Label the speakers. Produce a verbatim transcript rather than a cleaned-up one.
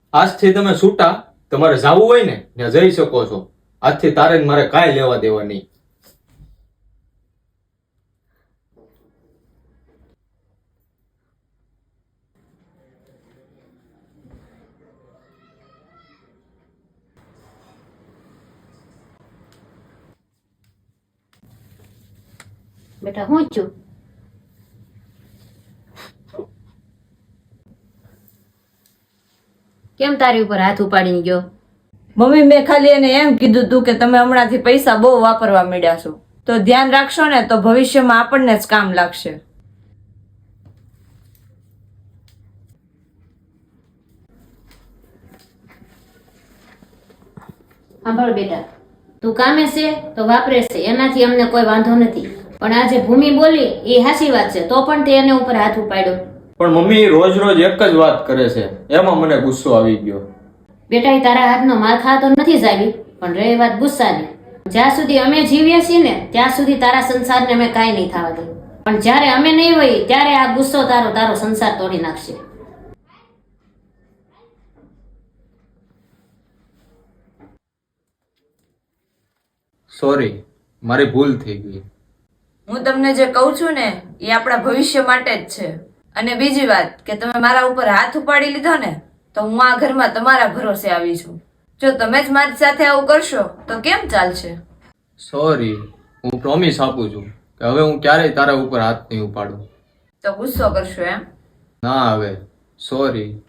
Speaker 1: આજથી તમે છૂટા, તમારે જવું હોય ને ત્યાં જઈ શકો છો. આજથી તારે ને મારે કાંઈ લેવા દેવા નહીં.
Speaker 2: બેટા હું છું? કેમ તારી ઉપર હાથ ઉપાડીને ગયો?
Speaker 3: મમ્મી, મેં ખાલી એને એમ કીધું તું કે તમે હમણાંથી પૈસા બહુ વાપરવા માંડ્યા છો, તો ધ્યાન રાખશો ને તો ભવિષ્યમાં આપણને જ કામ લાગશે.
Speaker 2: સાંભળ બેટા, તું કામે છે તો વાપરે છે, એનાથી અમને કોઈ વાંધો નથી. પણ આ જે ભૂમિ બોલી એ હાચી વાત છે, તો પણ તે એને ઉપર હાથ ઉપાડ્યો.
Speaker 1: પણ મમ્મી રોજ રોજ એક જ વાત કરે છે, એમાં મને ગુસ્સો આવી ગયો.
Speaker 2: બેટા એ તારા હાથનો માર ખાતો નથી જ આવી, પણ રહી વાત ગુસ્સાની, જ્યાં સુધી અમે જીવીએ છીએ ને ત્યાં સુધી તારા સંસારને અમે કાંઈ નહીં થવા દઈએ, પણ જ્યારે અમે નહીં હોઈએ ત્યારે આ ગુસ્સો તારો તારો સંસાર તોડી નાખશે.
Speaker 1: સોરી, મારી ભૂલ થઈ ગઈ.
Speaker 3: હું તમને જે કહું છું ને એ આપણા ભવિષ્ય માટે જ છે. અને બીજી વાત કે તમે મારા ઉપર હાથ ઉપાડી લીધો ને તો હું આ ઘરમાં તમારા ભરોસે આવી છું. જો તમે જ મારી સાથે આવું કરશો તો કેમ ચાલશે?
Speaker 1: સોરી, હું પ્રોમિસ આપું છું કે હવે હું ક્યારેય તારા ઉપર હાથ નહીં ઉપાડું.
Speaker 3: તો ગુસ્સો કરશો એમ?
Speaker 1: ના, હવે સોરી.